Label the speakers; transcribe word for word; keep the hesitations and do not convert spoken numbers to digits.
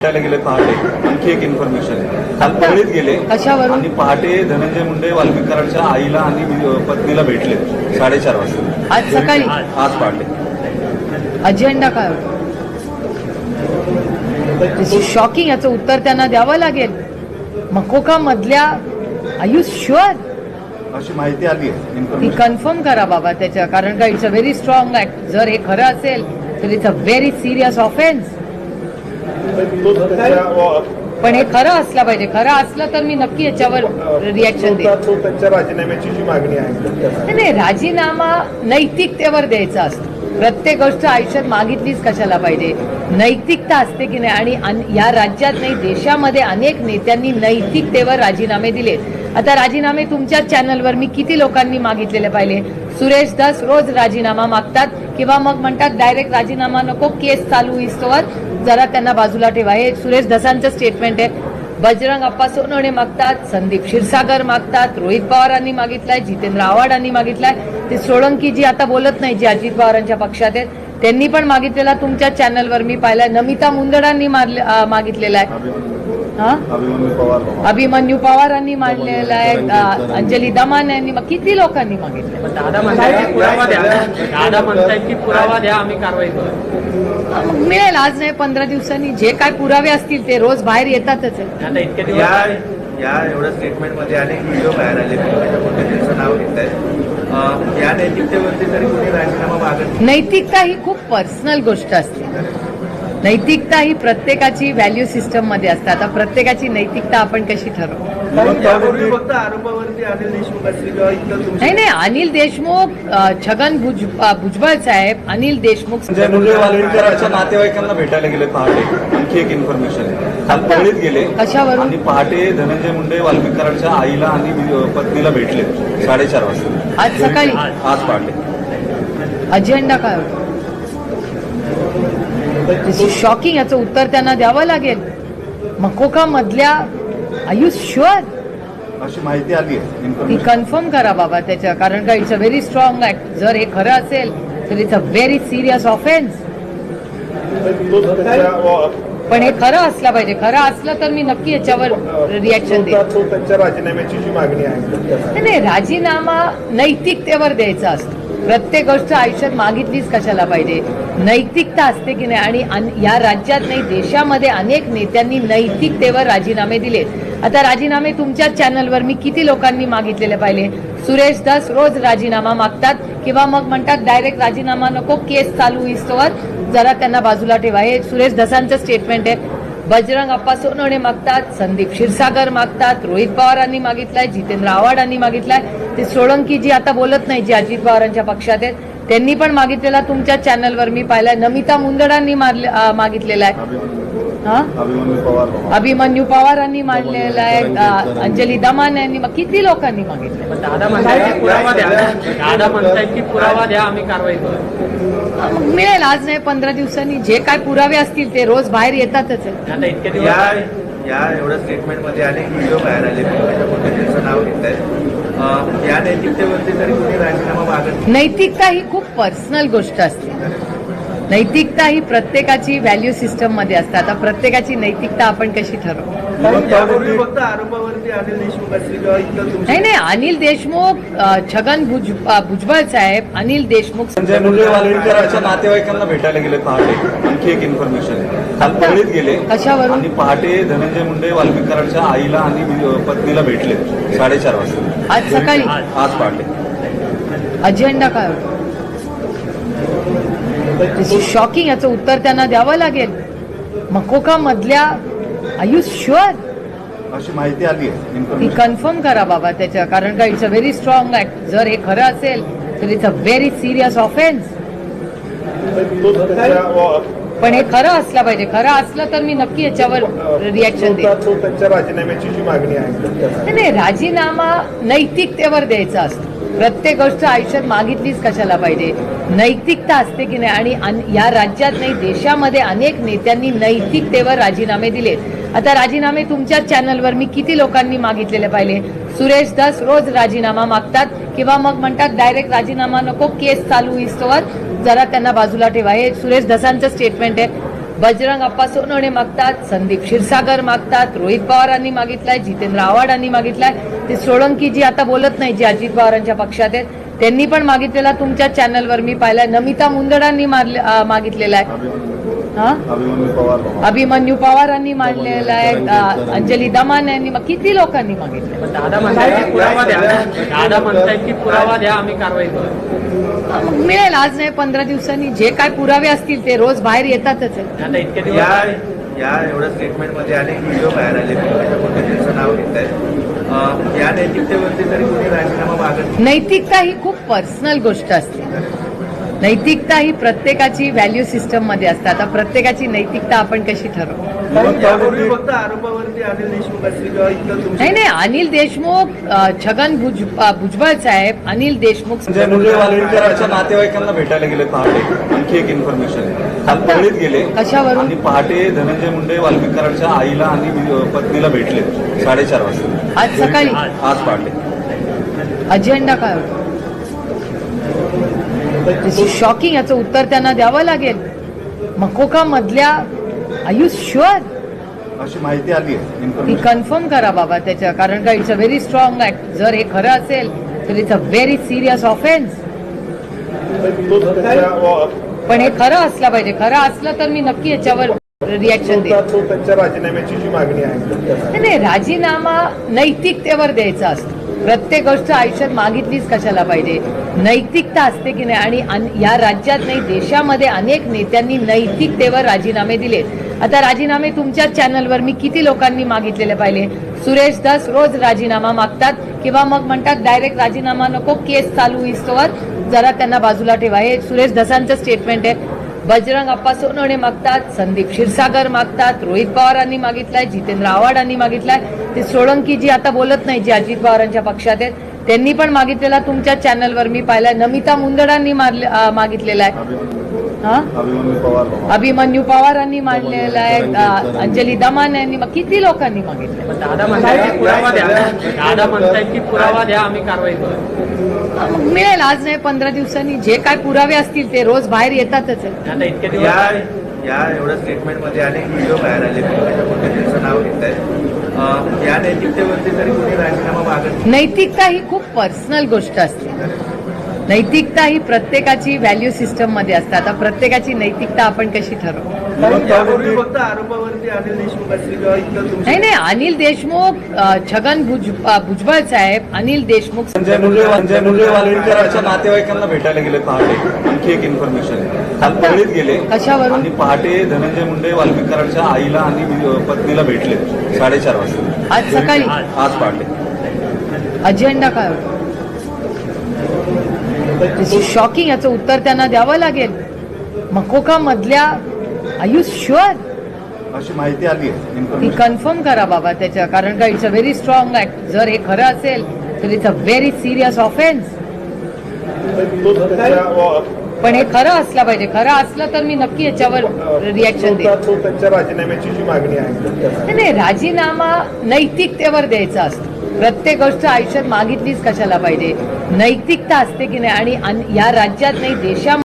Speaker 1: भेटायला गेले पहाटे. आणखी एक इन्फॉर्मेशन काल परळीत गेले
Speaker 2: कशावरून?
Speaker 1: आणि पहाटे धनंजय मुंडे वाल्मिक कराडच्या आईला आणि पत्नीला भेटले साडेचार वाजता.
Speaker 2: आज सकाळी?
Speaker 1: आज पहाटे.
Speaker 2: अजेंडा काय होता? शॉकिंग. याचं उत्तर त्यांना द्यावं लागेल. मकोका मधल्या आयु शुअर
Speaker 1: अशी माहिती आली आहे.
Speaker 2: ती
Speaker 1: इन्फॉर्मेशन
Speaker 2: कन्फर्म करा बाबा त्याच्या, कारण का it's a very strong act. जर हे खरं असेल तर it's a very serious offence. पण हे खरं असलं पाहिजे. खरं असलं तर मी नक्की याच्यावर रिॲक्शन देईन.
Speaker 3: त्यांच्या राजीनाम्याची जी मागणी आहे
Speaker 2: नाही, राजीनामा नैतिकतेवर द्यायचा असतो. प्रत्येक गोष्ट आयुष्यात मागितलीच कशाला पाहिजे? नैतिकता असते की नाही. आणि अन- या राज्यात नाही, देशामध्ये अनेक नेत्यांनी नैतिकतेवर राजीनामे दिले. आता राजीनामे तुमच्याच चॅनलवर मी किती लोकांनी मागितलेले पाहिले. सुरेश धस रोज राजीनामा मागतात किंवा मग म्हणतात डायरेक्ट राजीनामा नको, केस चालू इस्तोवर जरा त्यांना बाजूला ठेवा. हे सुरेश धसांचं स्टेटमेंट आहे. बजरंग अप्पा सोनवणे मागतात, संदीप क्षीरसागर मागतात, रोहित पवारांनी मागितलाय, जितेंद्र आव्हाडांनी मागितलाय. ते सोळंकी जी आता बोलत नाही, जी अजित पवारांच्या पक्षात आहेत, त्यांनी पण मागितलेला तुमच्या चॅनलवर मी पाहिलाय. नमिता मुंदडांनी मारले- अं, मागितलेला आहे. हा,
Speaker 1: अभिमन्यू पवार
Speaker 2: अभिमन्यू पवारांनी मांडलेला आहे. अं, अंजली दमान यांनी, मग किती लोकांनी मागितलं?
Speaker 4: दादा म्हणतायत की पुरावा द्या. दादा म्हणतायत की पुरावा द्या, आम्ही कारवाई करू.
Speaker 2: मग मिळेल. आज नाही, पंधरा दिवसांनी जे काय पुरावे असतील ते रोज बाहेर येतातच आहे.
Speaker 4: आता इतके दिवस
Speaker 5: या या एवढ्या स्टेटमेंटमध्ये अनेक व्हिडिओ बाहेर आले, त्यांचं नाव घेत आहेत. या नैतिकतेवरती तरी कोणी राजीनामा मागत नाही.
Speaker 2: नैतिकता ही खूप पर्सनल गोष्ट असते. नैतिकता ही प्रत्येकाची व्हॅल्यू सिस्टम मध्ये असते. आता प्रत्येकाची नैतिकता आपण कशी ठरवू?
Speaker 5: त्यापूर्वी फक्त आरोपावरती अनिल देशमुख असतील किंवा इतर तुमचे
Speaker 2: नाही नाही, अनिल देशमुख, अ, छगन भुज अ, भुजबळ साहेब, अनिल देशमुख.
Speaker 1: धनंजय मुंडे वाल्मिक कराडच्या नातेवाईकांना भेटायला गेले पहाटे. आणखी एक इन्फॉर्मेशन काल परळीत गेले
Speaker 2: कशावरून?
Speaker 1: आणि पहाटे धनंजय मुंडे वाल्मिक कराडच्या आईला आणि पत्नीला भेटले साडेचार वाजता.
Speaker 2: आज सकाळी?
Speaker 1: आज पहाटे.
Speaker 2: अजेंडा काय होता? शॉकिंग. याचं उत्तर त्यांना द्यावं लागेल. मकोका मधल्या आयु शुअर
Speaker 1: अशी माहिती आली आहे.
Speaker 2: ती
Speaker 1: इन्फॉर्मेशन
Speaker 2: कन्फर्म करा बाबा त्याच्या, कारण का it's a very strong act. जर हे खरं असेल तर it's a very serious offence. पण हे खरं असलं पाहिजे. खरं असलं तर मी नक्की याच्यावर रिॲक्शन देईन.
Speaker 3: त्यांच्या राजीनाम्याची जी मागणी आहे
Speaker 2: नाही, नाही, राजीनामा नैतिकतेवर द्यायचा असतो. प्रत्येक गोष्ट आयुष्यात मागितलीच कशाला पाहिजे? नैतिकता असते की नाही. आणि अन- या राज्यात नाही, देशामध्ये अनेक नेत्यांनी नैतिकतेवर राजीनामे दिले. आता राजीनामे तुमच्याच चॅनलवर मी किती लोकांनी मागितलेले पाहिले. सुरेश धस रोज राजीनामा मागतात किंवा मग म्हणतात डायरेक्ट राजीनामा नको, केस चालू इस्तोवर जरा त्यांना बाजूला ठेवा. हे सुरेश धसांचं स्टेटमेंट आहे. बजरंग अप्पा सोनवणे मागतात, संदीप क्षीरसागर मागतात, रोहित पवारांनी मागितलाय, जितेंद्र आव्हाडांनी मागितलाय. ते सोळंकी जी आता बोलत नाही, जी अजित पवारांच्या पक्षात आहेत, त्यांनी पण मागितलेला तुमच्या चॅनलवर मी पाहिलाय. नमिता मुंदडांनी मारले- अं, मागितलेला आहे. हा,
Speaker 1: अभिमन्यू पवार
Speaker 2: अभिमन्यू पवारांनी मांडलेला आहे. अं, अंजली दमान यांनी, मग किती लोकांनी मागितलं?
Speaker 4: दादा म्हणतायत की पुरावा द्या. दादा म्हणतायत की पुरावा द्या, आम्ही कारवाई करू.
Speaker 2: मग मिळेल. आज नाही, पंधरा दिवसांनी जे काय पुरावे असतील ते रोज बाहेर येतातच आहे.
Speaker 4: आता इतके दिवस
Speaker 5: या या एवढ्या स्टेटमेंटमध्ये अनेक व्हिडिओ बाहेर आले, त्यांचं नाव घेत आहेत. या नैतिकतेवरती तरी कोणी राजीनामा मागत नाही.
Speaker 2: नैतिकता ही खूप पर्सनल गोष्ट असते. नैतिकता ही प्रत्येकाची व्हॅल्यू सिस्टम मध्ये असते. आता प्रत्येकाची नैतिकता आपण कशी ठरवू?
Speaker 5: त्यापूर्वी फक्त आरोपावरती अनिल देशमुख असतील किंवा इतर तुमचे
Speaker 2: नाही नाही, अनिल देशमुख, अ, छगन भुज अ, भुजबळ साहेब, अनिल देशमुख.
Speaker 1: धनंजय मुंडे वाल्मिक कराडच्या नातेवाईकांना भेटायला गेले पहाटे. आणखी एक इन्फॉर्मेशन काल परळीत गेले
Speaker 2: कशावरून?
Speaker 1: आणि पहाटे धनंजय मुंडे वाल्मिक कराडच्या आईला आणि पत्नीला भेटले साडेचार वाजता.
Speaker 2: आज सकाळी?
Speaker 1: आज पहाटे.
Speaker 2: अजेंडा काय होता? शॉकिंग. याचं उत्तर त्यांना द्यावं लागेल. मकोका मधल्या आयु शुअर
Speaker 1: अशी माहिती आली आहे.
Speaker 2: ती
Speaker 1: इन्फॉर्मेशन
Speaker 2: कन्फर्म करा बाबा त्याच्या, कारण का it's a very strong act. जर हे खरं असेल तर it's a very serious offence. पण हे खरं असलं पाहिजे. खरं असलं तर मी नक्की याच्यावर रिॲक्शन देईन.
Speaker 3: त्यांच्या राजीनाम्याची जी मागणी आहे
Speaker 2: नाही, नाही, राजीनामा नैतिकतेवर द्यायचा असतो. प्रत्येक गोष्ट आयुष्यात मागितलीच कशाला पाहिजे? नैतिकता असते की नाही. आणि अन- या राज्यात नाही, देशामध्ये अनेक नेत्यांनी नैतिकतेवर राजीनामे दिले. आता राजीनामे तुमच्याच चॅनलवर मी किती लोकांनी मागितलेले पाहिले. सुरेश धस रोज राजीनामा मागतात किंवा मग म्हणतात डायरेक्ट राजीनामा नको, केस चालू इस्तोवर जरा त्यांना बाजूला ठेवा. हे सुरेश धसांचं स्टेटमेंट आहे. बजरंग अप्पा सोनवणे मागतात, संदीप क्षीरसागर मागतात, रोहित पवारांनी मागितलाय, जितेंद्र आव्हाडांनी मागितलाय, ते सोळंकी जी आता बोलत नाही, जी अजित पवारांच्या पक्षात आहेत, त्यांनी पण मागितलेला तुमच्या चॅनलवर मी पाहिलाय. नमिता मुंदडांनी मारले- अं, मागितलेला आहे. हा
Speaker 1: अभिमन्यू पवार
Speaker 2: अभिमन्यू पवारांनी मांडलेला आहे. अं, अंजली दमान यांनी मा- किती लोकांनी मागितलं.
Speaker 4: पण दादा म्हणतायत की पुरावा द्या दादा म्हणतायत की पुरावा द्या आम्ही कारवाई करू.
Speaker 2: मग मिळेल आज नाही पंधरा दिवसांनी जे काय पुरावे असतील ते रोज बाहेर येतातच आहे.
Speaker 4: आता इतके
Speaker 5: या
Speaker 4: दिवस
Speaker 5: या एवढ्या स्टेटमेंटमध्ये अनेक व्हिडिओ बाहेर आले त्याच्यामध्ये त्यांचं नाव घेत आहेत. या नैतिकतेवरती तरी कोणी राजीनामा मागत नाही.
Speaker 2: नैतिकता ही खूप पर्सनल गोष्ट असते. नैतिकता ही प्रत्येकाची व्हॅल्यू सिस्टम मध्ये असते. आता प्रत्येकाची नैतिकता आपण कशी ठरवू.
Speaker 5: यापूर्वी फक्त आरोपावरती अनिल देशमुख असतील किंवा इतर तुमचे
Speaker 2: नाही नाही अनिल देशमुख, अं, छगन भुज अं, भुजबळ साहेब, अनिल देशमुख
Speaker 1: संजय मुंडे वालविंकरांच्या नातेवाईकांना भेटायला गेले पहाटे. आणखी एक इन्फॉर्मेशन काल परळीत गेले
Speaker 2: कशावरून?
Speaker 1: आणि पहाटे धनंजय मुंडे वाल्मिकरांच्या आईला आणि वि- पत्नीला भेटले साडेचार वाजता
Speaker 2: आज सकाळी
Speaker 1: आज पहाटे.
Speaker 2: अजेंडा काय होता. शॉकिंग. याचं उत्तर त्यांना द्यावं लागेल. मकोका मधल्या आर यू शुअर
Speaker 1: अशी माहिती आली आहे
Speaker 2: ती
Speaker 1: इन्फॉर्मेशन.
Speaker 2: कन्फर्म करा बाबा त्याच्या, कारण का it's a very strong act. जर हे खरं असेल तर it's a very serious offence.
Speaker 3: तो त्यांच्या
Speaker 2: पण हे खरं असलं पाहिजे. खरं असलं तर मी नक्की याच्यावर रिॲक्शन देईन.
Speaker 3: तो त्यांच्या राजीनाम्याची जी मागणी आहे
Speaker 2: नाही नाही, राजीनामा नैतिकतेवर द्यायचा असतो. प्रत्येक गोष्ट आयुष्यात मागितलीच कशाला पाहिजे. नैतिकता असते की नाही. आणि अन- या राज्यात नाही देशामध्ये अनेक नेत्यांनी नैतिकतेवर राजीनामे दिले. आता राजीनामे तुमच्या चॅनलवर मी किती लोकांनी मागितलेले पाहिले. सुरेश दास रोज राजीनामा मागतात किंवा मग म्हणतात डायरेक्ट राजीनामा नको, केस चालू इस्तोवर जरा त्यांना बाजूला ठेवा. हे सुरेश दसांचं स्टेटमेंट आहे. बजरंग अप्पा सोनवणे मागतात, संदीप क्षीरसागर मागतात, रोहित पवारांनी मागितलाय, जितेंद्र आव्हाडांनी मागितलाय, ते सोळंकी जी आता बोलत नाही, जी अजित पवारांच्या पक्षात आहेत, त्यांनी पण मागितलेला तुमच्या चॅनलवर मी पाहिलाय. नमिता मुंदडांनी मारले- अं, मागितलेला आहे. हा
Speaker 1: अभिमन्यू पवार
Speaker 2: अभिमन्यू पवारांनी मांडलेला आहे. अं, अंजली दमान यांनी मा- किती लोकांनी मागितलं.
Speaker 4: पण दादा म्हणतायत की पुरावा द्या दादा म्हणतायत की पुरावा द्या आम्ही कारवाई करू.
Speaker 2: मग मिळेल आज नाही पंधरा दिवसांनी जे काय पुरावे असतील ते रोज बाहेर येतातच आहे.
Speaker 4: आता इतके
Speaker 5: या
Speaker 4: दिवस
Speaker 5: या एवढ्या स्टेटमेंटमध्ये अनेक व्हिडिओ बाहेर आले त्याच्यामध्ये त्यांचं नाव घेत आहेत. या नैतिकतेवरती तरी कोणी राजीनामा मागत नाही.
Speaker 2: नैतिकता ही खूप पर्सनल गोष्ट असते. नैतिकता ही प्रत्येकाची व्हॅल्यू सिस्टम मध्ये असते. आता प्रत्येकाची नैतिकता आपण कशी ठरवू.
Speaker 5: यापूर्वी फक्त आरोपावरती अनिल देशमुख असतील किंवा इतर तुमचे
Speaker 2: नाही नाही अनिल देशमुख, अं, छगन भुज अं, भुजबळ साहेब, अनिल देशमुख.
Speaker 1: संजय मुंडे संजय मुंडे वालविंकरांच्या नातेवाईकांना भेटायला गेले पहाटे. आणखी एक इन्फॉर्मेशन काल परळीत गेले
Speaker 2: कशावरून?
Speaker 1: आणि पहाटे धनंजय मुंडे वाल्मिकरांच्या आईला आणि वि- पत्नीला भेटले साडेचार वाजता
Speaker 2: आज सकाळी
Speaker 1: आज पहाटे.
Speaker 2: अजेंडा काय होता. शॉकिंग. याचं उत्तर त्यांना द्यावं लागेल. मकोका मधल्या आर यू शुअर
Speaker 1: अशी माहिती आली आहे
Speaker 2: ती
Speaker 1: इन्फॉर्मेशन.
Speaker 2: कन्फर्म करा बाबा त्याच्या, कारण का it's a very strong act. जर हे खरं असेल तर it's a very serious offence.
Speaker 3: तो त्यांच्या
Speaker 2: पण हे खरं असलं पाहिजे. खरं असलं तर मी नक्की याच्यावर रिॲक्शन देईन.
Speaker 3: तो त्यांच्या राजीनाम्याची जी मागणी आहे
Speaker 2: नाही नाही, राजीनामा नैतिकतेवर द्यायचा असतो. प्रत्येक गोष्ट आयुष्यात मागितलीच कशाला पाहिजे. नैतिकता असते की नाही. आणि अन- या राज्यात नाही देशामध्ये